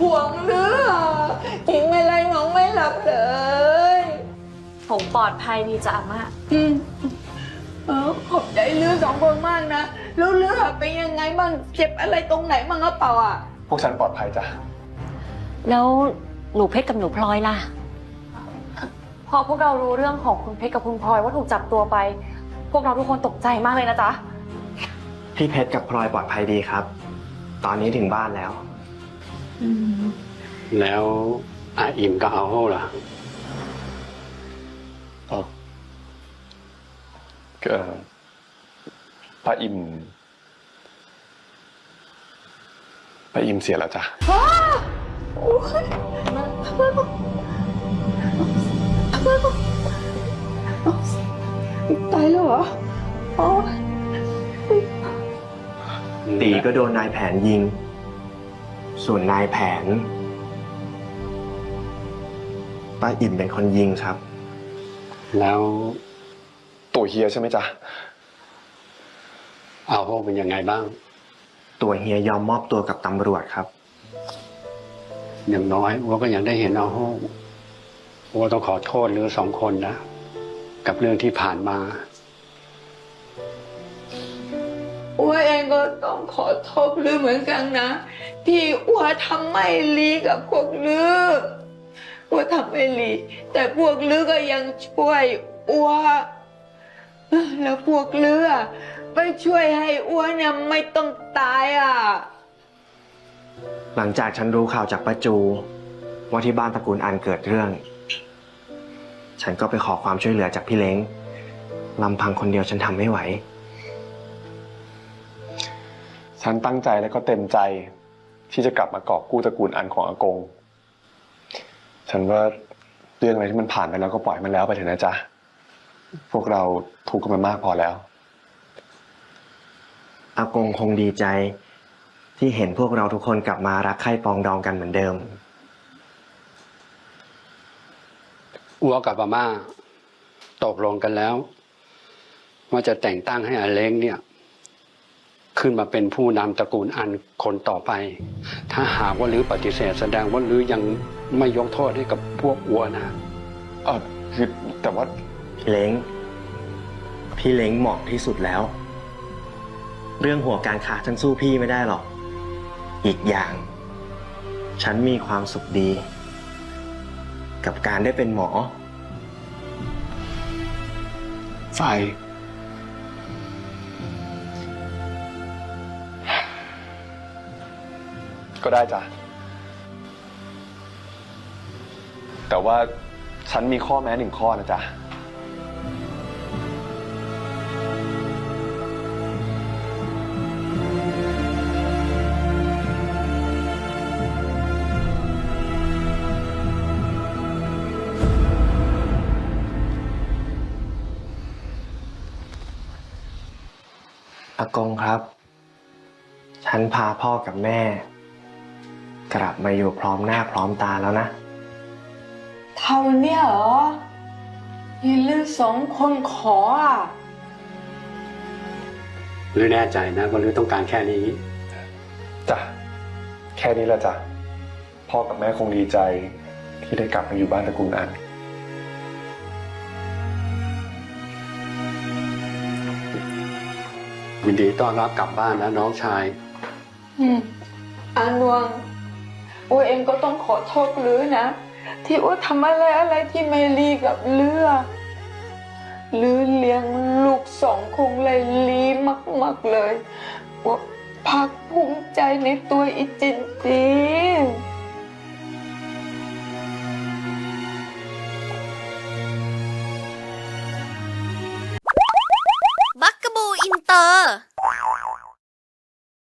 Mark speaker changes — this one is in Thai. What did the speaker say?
Speaker 1: ห่วงเรือกินไม่ไรน้องไม่หลับเลย
Speaker 2: ผมปลอดภัยดีจ้ะอาม่า
Speaker 1: ขอบใจเรือสองคนมากนะแล้วเรือเป็นยังไงบ้างเจ็บอะไรตรงไหนบ้างหรือเปล่าอ่ะ
Speaker 3: พวกฉันปลอดภัยจ้ะ
Speaker 2: แล้วหนูเพชรกับหนูพลอยล่ะพอพวกเรารู้เรื่องของคุณเพชรกับคุณพลอยว่าถูกจับตัวไปพวกเราทุกคนตกใจมากเลยนะจ๊ะ
Speaker 4: พี่เพชรกับพลอยปลอดภัยดีครับตอนนี้ถึงบ้านแล้ว
Speaker 5: แล้วอาอิ่มก็เอาโห่ล่ะ
Speaker 3: ป้าอิมเสียแล้วจ้ะ
Speaker 1: ตายแล้วเหรอ
Speaker 4: ตีก็โดนนายแผนยิงส่วนนายแผนป้าอิ่มเป็นคนยิงครับ
Speaker 5: แล้ว
Speaker 3: ตัวเฮียใช่ไหมจ๊ะ
Speaker 5: เอาโห่เป็นยังไงบ้าง
Speaker 4: ตัวเฮียยอมมอบตัวกับตำรวจครับ
Speaker 5: อย่างน้อยอัวก็ยังได้เห็นเอาโห่อัวต้องขอโทษเรือสองคนนะกับเรื่องที่ผ่านมา
Speaker 1: อัวเองก็ต้องขอโทษลือเหมือนกันนะที่อัวทำไม่ดีกับพวกลืออัวทำไม่ดีแต่พวกลือก็ยังช่วยอัวแล้วพวกลือไม่ช่วยให้อัวเนี่ยไม่ต้องตายอ่ะ
Speaker 4: หลังจากฉันรู้ข่าวจากป้าจูว่าที่บ้านตระกูลอันเกิดเรื่องฉันก็ไปขอความช่วยเหลือจากพี่เล้งลำพังคนเดียวฉันทำไม่ไหว
Speaker 3: ฉันตั้งใจและก็เต็มใจที่จะกลับมากอบกู้ตระกูลอันของอากงฉันว่าเรื่องอะไรที่มันผ่านไปแล้วก็ปล่อยมันแล้วไปเถอะนะจ๊ะพวกเราทุกข์กันมามากพอแล้ว
Speaker 4: อากงคงดีใจที่เห็นพวกเราทุกคนกลับมารักใคร่ปองดองกันเหมือนเดิม
Speaker 5: อัวกับอาม่าตกลงกันแล้วว่าจะแต่งตั้งให้อาเล้งเนี่ยขึ้นมาเป็นผู้นำตระกูลอันคนต่อไปถ้าหากว่าลือปฏิเสธแสดงว่าลือยังไม่ยกโทษให้กับพวกอัวนะ
Speaker 3: คือแต่ว่า
Speaker 4: พี่เล้งเหมาะที่สุดแล้วเรื่องหัวการค้าฉันสู้พี่ไม่ได้หรอกอีกอย่างฉันมีความสุขดีกับการได้เป็นหมอ
Speaker 5: ไฟ
Speaker 3: ก็ได้จ้ะแต่ว่าฉันมีข้อแม้1 ข้อนะจ๊ะ
Speaker 4: อากงครับฉันพาพ่อกับแม่กลับมาอยู่พร้อมหน้าพร้อมตาแล้วนะ
Speaker 1: เท่านี้เหรอที่ลือสองคนขออ่ะ
Speaker 5: ลือแน่ใจนะว่าลือต้องการแค่นี้
Speaker 3: จ้ะแค่นี้แหละจ้ะพ่อกับแม่คงดีใจที่ได้กลับมาอยู่บ้านตระกูลอัน
Speaker 5: ยินดีต้อนรับกลับบ้านนะน้องชาย
Speaker 1: อานวงอัวเองก็ต้องขอโทษลือนะที่อัวทำอะไรที่ไม่ดีกับลือเลี้ยงลูก2 คงเลยลีมากๆเลยอัวภาคภูมิใจในตัวอีจริงๆ